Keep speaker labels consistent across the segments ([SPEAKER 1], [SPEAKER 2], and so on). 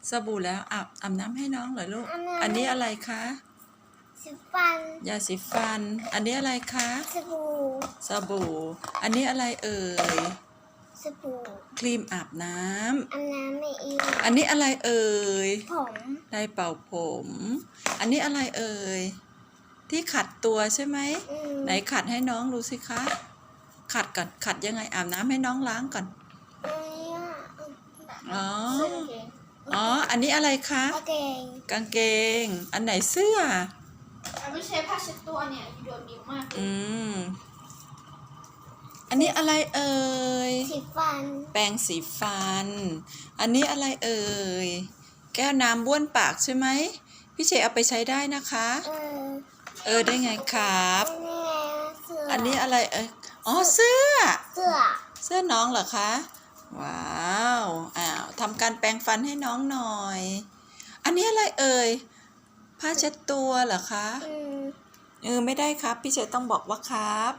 [SPEAKER 1] สบู่แล้วอาบน้ำให้น้องเหรอลูกอันนี้อะไรคะ
[SPEAKER 2] สีฟัน
[SPEAKER 1] ยาสีฟันอันนี้อะไรคะสบู่อันนี้อะไรเอ่ย
[SPEAKER 2] สบู่
[SPEAKER 1] ครีมอาบน้ำ
[SPEAKER 2] ไม่เอง
[SPEAKER 1] อันนี้อะไรเอ่ย
[SPEAKER 2] ผม
[SPEAKER 1] ได้เป่าผมอันนี้อะไรเอ่ยที่ขัดตัวใช่ไหมไหนขัดให้น้องดูสิคะขัดก่อนขัดยังไงอาบน้ำให้น้องล้างก่อนอ๋ออันนี้อะไรคะกางเกงอันไหนเสื้อ
[SPEAKER 2] ไม่ใช่ผ้าเช็ดตัวเนี่ยโดนนิ้วมาก
[SPEAKER 1] อันนี้อะไรเอ่ย
[SPEAKER 2] สีฟัน
[SPEAKER 1] แปรงสีฟันอันนี้อะไรเอ่ยแก้วน้ำบ้วนปากใช่ไหมพี่เชเอาไปใช้ได้นะคะได้ไงครับอันนี้อะไรอ๋อเสื้อน้องเหรอคะว้าวทำการแปรงฟันให้น้องหน่อยอันนี้อะไรเอ่ยผ้าเช็ดตัวเหรอคะไม่ได้ครับพี่เชต้องบอกว่าครับ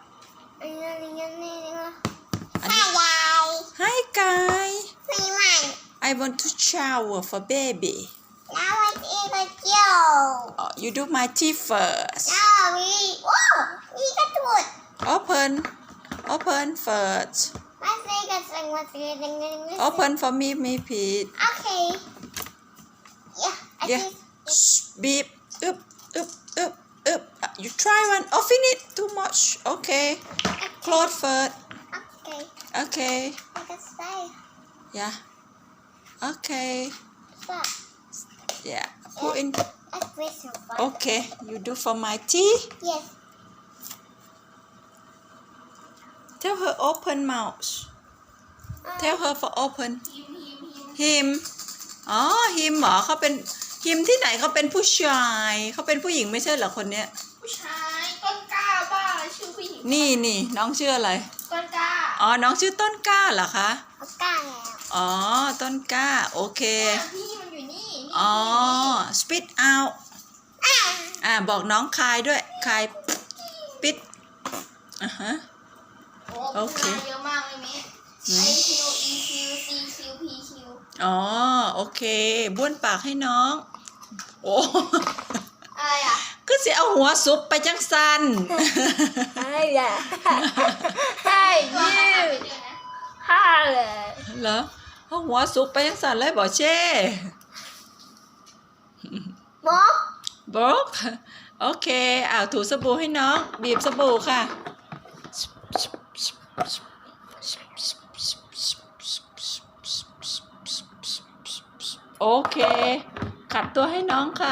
[SPEAKER 1] Hi guys I want to shower for baby
[SPEAKER 2] Now it's even you
[SPEAKER 1] You do my teeth first
[SPEAKER 2] we got wood
[SPEAKER 1] Open first Open for me please
[SPEAKER 2] Okay
[SPEAKER 1] Yeah Beep up You try one finish too much Okay Close first Okay Yeah Okay Yeah put in Okay you do for my teeth
[SPEAKER 2] Yes
[SPEAKER 1] Tell her open mouth Tell her for open him อ๋อ him เหรอเขาเป็น him ที่ไหนเขาเป็นผู้ชายเขาเป็นผู้หญิงไม่ใช่เหรอคนเนี้ย
[SPEAKER 2] ผู้ชายต้นกล้าบ้าชื่อผู้หญิง
[SPEAKER 1] นี่น้องชื่ออะไร
[SPEAKER 2] ต้นกล้า
[SPEAKER 1] อ๋อน้องชื่อต้นกล้าเหรอคะ
[SPEAKER 2] กล้าแล้ว
[SPEAKER 1] อ๋อต้นกล้าโอเค
[SPEAKER 2] พี่มันอยู่นี่
[SPEAKER 1] อ๋อ spit out บอกน้องคายด้วยคายปิดโอเค
[SPEAKER 2] เยอะมากเลยมิIQ EQ CQ PQ
[SPEAKER 1] อ๋อโอเคบ้วนปากให้น้องโอ้
[SPEAKER 2] อะไรอ่ะ
[SPEAKER 1] ก็สิเอาหัวซุปไปจังสัน
[SPEAKER 2] ให้ยืมห้าเลย
[SPEAKER 1] เหรอเอาหัวซุปไปจังสันเลยบอกเช่บอกโอเคถูสบู่ให้น้องบีบสบู่ค่ะโอเคขัดตัวให้น้องค่ะ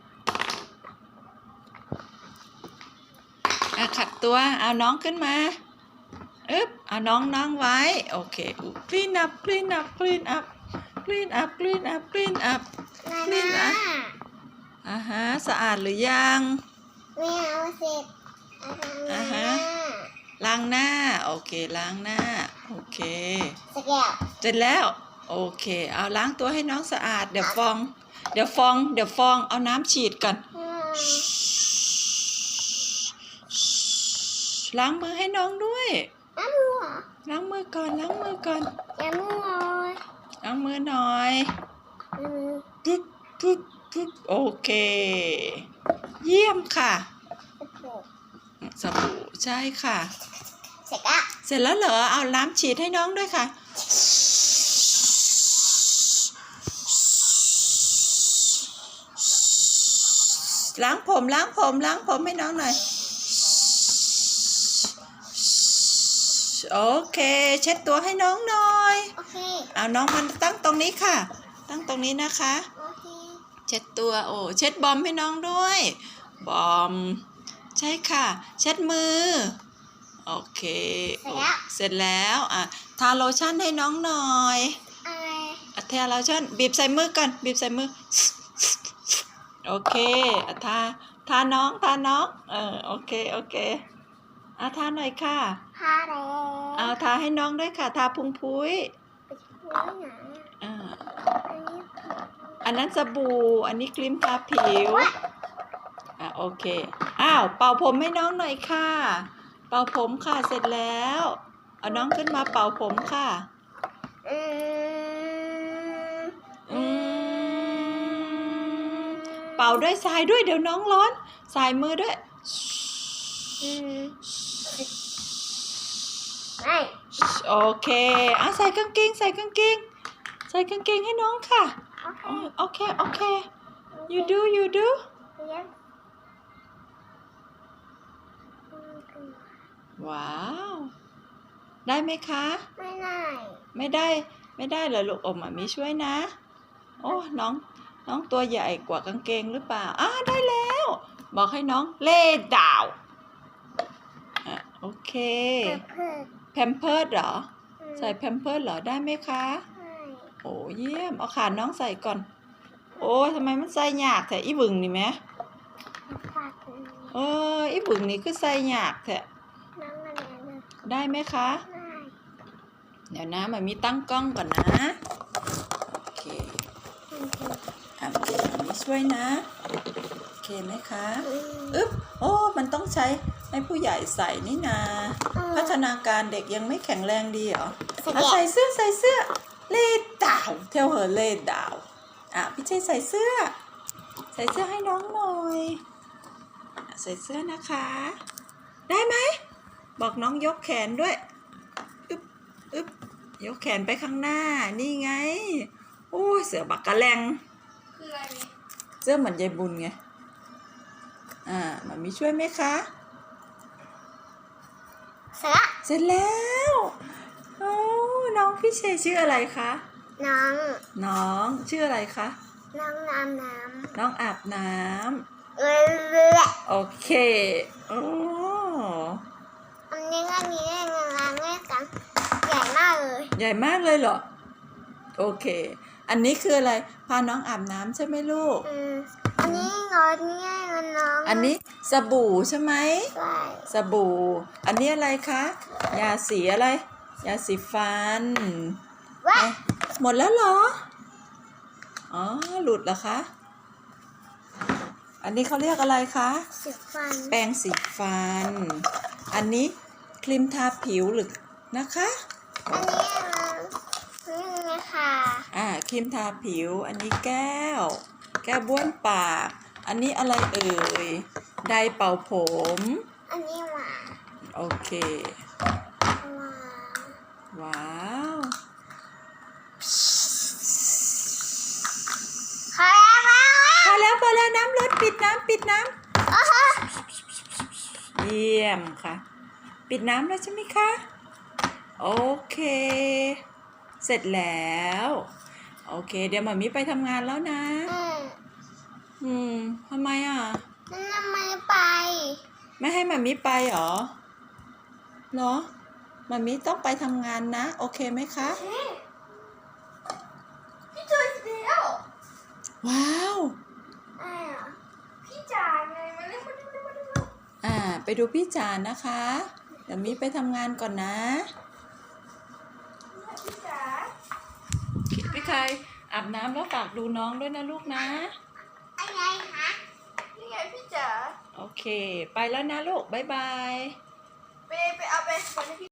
[SPEAKER 1] ขัดตัวเอาน้องขึ้นมาเอาน้องไว้โอเค clean up สะอาดหรือยัง
[SPEAKER 2] ไม่เอาเสร็จ
[SPEAKER 1] ล้างหน้าโอเคล้างหน้าโอเค
[SPEAKER 2] เสร็จแล้ว
[SPEAKER 1] เสร็จแล้วโอเคเอาล้างตัวให้น้องสะอาดเดี๋ยวฟองเอาน้ำฉีดก่อนล้างมือให้น้องด้วยล้างมือก่อนล้างมือหน่อยโอเคเยี่ยมค่ะสบู่ใช่ค่ะเสร็จแล้วเหรอเอาน้ำฉีดให้น้องด้วยค่ะล้างผมให้น้องหน่อยโอเคเช็ดตัวให้น้องหน่อยเอาน้องมันตั้งตรงนี้ค่ะตั้งตรงนี้นะคะเช็ดตัวเช็ดบอมให้น้องด้วยบอมใช่ค่ะเช็ดมือโอเคเสร็จแล้วทาโลชั่นให้น้องหน่อยทาโลชั่นบีบใส่มือก่อนบีบใส่มือโอเคทาน้องโอเคทาหน่อยค่ะ
[SPEAKER 2] ทาแล้ว
[SPEAKER 1] ทาให้น้องด้วยค่ะทาพุงพุ้ยอันนั้นสบู่อันนี้ครีมทาผิวโอเคเป่าผมให้น้องหน่อยค่ะเป่าผมค่ะเสร็จแล้วเอาน้องขึ้นมาเป่าผมค่ะเป่าด้วยสายด้วยเดี๋ยวน้องร้อนสายมือด้วย
[SPEAKER 2] ไม่
[SPEAKER 1] โอเคใส่กางเกงใส่กางเกงใส่กางเกงให้น้องค่ะโอเคโอเค you do ว้าวได้ไหมคะ
[SPEAKER 2] ไม่ได้
[SPEAKER 1] ไม่ได้เหรอลูกอมมีช่วยนะโอ้น้องตัวใหญ่กว่ากางเกงหรือเปล่าได้แล้วบอกให้น้องเล่ดาวโอเคแพมเพิร์ดเหรอใส่แพมเพิร์ดเหรอได้ไหมคะโอ้เยี่ยมเอาขาน้องใส่ก่อนโอ้ทำไมมันใส่ยากแท้อีบึงนี่ไหมอีบึงนี่คือใส่ยากแท้ได้ไหมคะเดี๋ยวนะมันมีตั้งกล้องก่อนนะโอเคมีช่วยนะโอเคไหมคะโอ้มันต้องใช้ให้ผู้ใหญ่ใส่นี่นาพัฒนาการเด็กยังไม่แข็งแรงดีเหรอใส่เสื้อเล่ดาวเทลเฮอเล่ดาวพี่เจใส่เสื้อให้น้องหน่อยใส่เสื้อนะคะได้ไหมบอกน้องยกแขนด้วยยกแขนไปข้างหน้านี่ไงโอ้เสือบักกะแลง
[SPEAKER 2] คืออะไร
[SPEAKER 1] เสื้อเหมือนยายบุญไงมันมีช่วยไหมคะ
[SPEAKER 2] เสร็จ
[SPEAKER 1] แล้วน้องพี่เชชื่ออะไรคะน้องชื่ออะไรคะ
[SPEAKER 2] น้องอาบน้ำ
[SPEAKER 1] น้องอาบน้ำโอเค
[SPEAKER 2] อันนี้งานแม่กันใหญ่มากเลย
[SPEAKER 1] ใหญ่มากเลยเหรอโอเคอันนี้คืออะไรพาน้องอาบน้ำใช่ไหมลูก
[SPEAKER 2] อันนี้น้อง
[SPEAKER 1] อันนี้สบู่ใช่ไหม
[SPEAKER 2] ใช่
[SPEAKER 1] สบู่อันนี้อะไรคะยาสีอะไรยาสีฟันหมดแล้วเหรอหลุดเหรอคะอันนี้เขาเรียกอะไรคะ
[SPEAKER 2] สีฟัน
[SPEAKER 1] แปรงสีฟันอันนี้ครีมทาผิวหรือนะคะ
[SPEAKER 2] อันนี้นะคะ
[SPEAKER 1] ครีมทาผิวอันนี้แก้วบ้วนปากอันนี้อะไรเอ่ยไดร์เป่าผม
[SPEAKER 2] อันนี้
[SPEAKER 1] โอเคว้าวพอแล้วน้ำลดปิดน้ำเยี่ยมค่ะปิดน้ำแล้วใช่ไหมคะโอเคเสร็จแล้วโอเคเดี๋ยวหมอมิไปทำงานแล้วนะทำไม
[SPEAKER 2] ทำไมไป
[SPEAKER 1] ไม่ให้หมอมิไปเหรอหมอมิต้องไปทำงานนะโอเคไหมคะ
[SPEAKER 2] พี่เจอแล้ว
[SPEAKER 1] ว้าว
[SPEAKER 2] พี่จ๋าไงมาเร็ว
[SPEAKER 1] ไปดูพี่จ๋านะคะเดี๋ยวมิไปทำงานก่อนนะ
[SPEAKER 2] พี่จ๋า
[SPEAKER 1] พี่ใครอาบน้ำแล้วฝากดูน้องด้วยนะลูกนะ
[SPEAKER 2] อะไรคะนี่ไงพี่จ๋า
[SPEAKER 1] โอเคไปแล้วนะลูกบ๊ายบาย
[SPEAKER 2] ไปเอาไป